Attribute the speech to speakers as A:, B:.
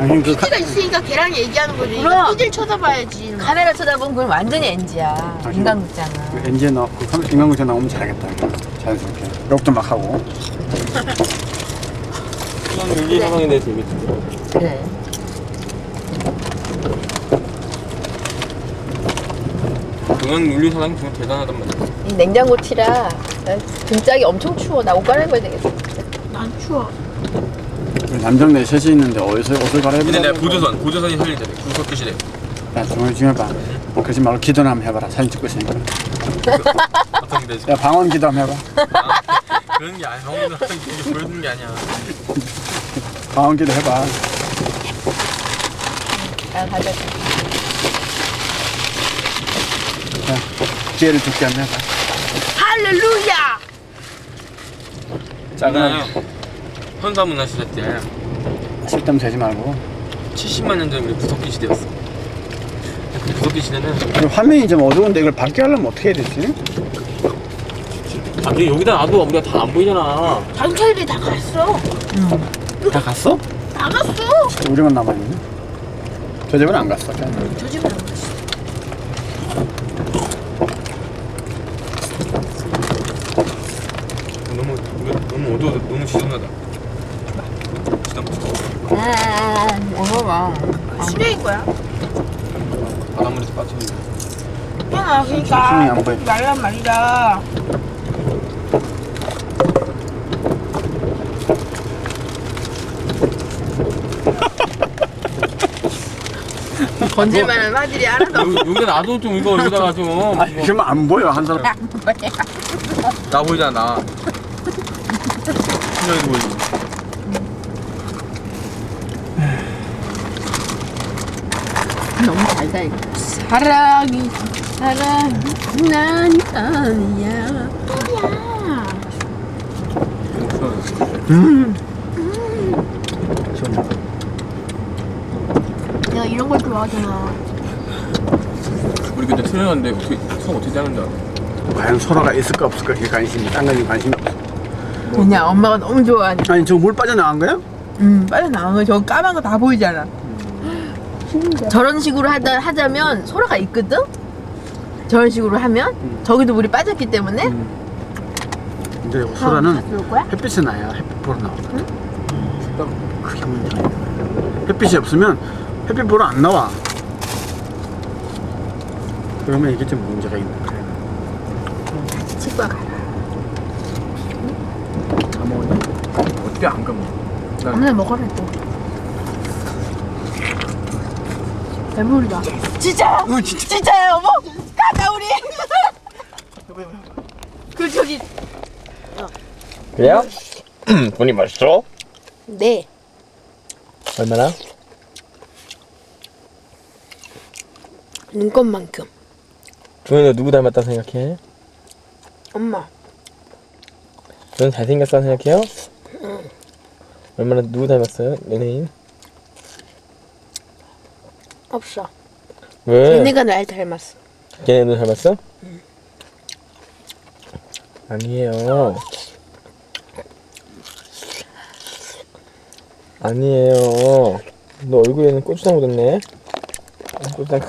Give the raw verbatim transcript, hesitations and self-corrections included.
A: 아니 그
B: 피디가 있으니까 걔랑 얘기하는 거지.
C: 그럼.
B: 피디를 쳐다봐야지.
C: 카메라 쳐다보면 그건 완전히 엔지야.
A: 아,
C: 인간극장은.
A: 그 엔지에 나 그 인간극장 나오면 잘하겠다. 자연스럽게 욕도 막 하고.
D: 그냥 윤리 사상에 대해서 얘기 좀 들어.
C: 그래.
D: 동양 윤리 사상이 정말 대단하단 말이야.
C: 이 냉장고 티라 나 등짝이 엄청 추워. 나 옷 갈아입어야 되겠어.
B: 난 추워.
A: 남정 네 셋이 있는데 어디서 옷을 갈아입으라고.
D: 근데 내가 보조선, 보조선이 살리잖아. 구석기 시대.
A: 야 조용히 좀 해봐. 그러지 말고 기도나 한번 해봐라. 사진 찍고 있으니까.
D: 어떤 게 되지?
A: 야 방언 기도 한번 해봐.
D: 아, 그런 게 아니야. 형님은 하는 게 보여주는 게 아니야.
A: 방언 기도 해봐.
C: 아 가자.
A: 자 기회를 줄게 한번 해봐.
B: 할렐루야.
D: 작아요. 현사문화 시대 때
A: 쓸데없는 되지 말고.
D: 칠십만 년 전에 우리 구석기 시대였어. 그 구석기 시대는
A: 그리고 화면이 좀 어두운데 이걸 밝게 하려면 어떻게 해야 되지?
D: 아, 근데 여기다 놔도 우리가 다 안 보이잖아.
B: 장철이 다 갔어.
A: 다 갔어?
B: 나갔어.
A: 우리만 남아있네. 저 집은 안 갔어. 그냥.
B: 저 집은 안 갔어.
D: 너무 너무 어두워, 너무 지저분하다. 지저분.
C: 아 먹어봐.
B: 수레인 거야.
D: 바닷물에서 빠지는.
B: 야,
A: 손이
B: 그러니까
A: 안 보여.
B: 말란 말이다. 건질만한 화질이 하나도 없어.
D: 여기 여기다 놔도 좀 이거 여기다가 좀.
A: 아니 그러면 안 보여 한 사람.
D: 나 보이잖아. 나. 분명히 보이지.
C: 너무 달다 이거. 사랑이 사랑이 난 아니야.
A: 음. 시원하다.
B: 내가 이런 걸 좋아하잖아.
D: 우리 그때 트레이너인데 어떻게 성 어떻게 짜는지 알아?
A: 과연 소라가 있을까 없을까 그게 관심이. 딴 거는 관심이 없어.
C: 그냥 엄마가 너무 좋아하니까.
A: 아니 저 물 빠져나간 거야?
C: 음 빨리 나온 거. 저거 까만 거 다 보이잖아. 저런 식으로 하다 하자면 소라가 있거든. 저런 식으로 하면
A: 음.
C: 저기도 물이 빠졌기 때문에
A: 근데
C: 다
A: 소라는
C: 들어올 거야?
A: 햇빛에 나야. 햇빛 보러 나오거든. 그게 문제야. 햇빛이 없으면 햇빛 보러 안 나와. 그러면 이게 좀 문제가 있는 거야.
C: 치과 가라.
A: 다 먹었냐? 어떻게 안 가면?
C: 오늘 먹어라 또. 배부르다. 진짜요?
A: 어, 진짜.
C: 진짜요, 여보? 가자 우리. 그 저기.
D: 그래요? 돈이 맛있어?
C: 네.
D: 얼마나?
C: 눈곱만큼.
D: 주현이 너 누구 닮았다 생각해?
C: 엄마.
D: 저는 잘생겼다 생각해요? 응. 얼마나 누구 닮았어요? 연예인?
C: 없어.
D: 왜?
C: 걔네가 날 닮았어.
D: 걔네 너 닮았어? 응. 아니에요. 아니에요. 너 얼굴에는 고추장 묻었네. 고추장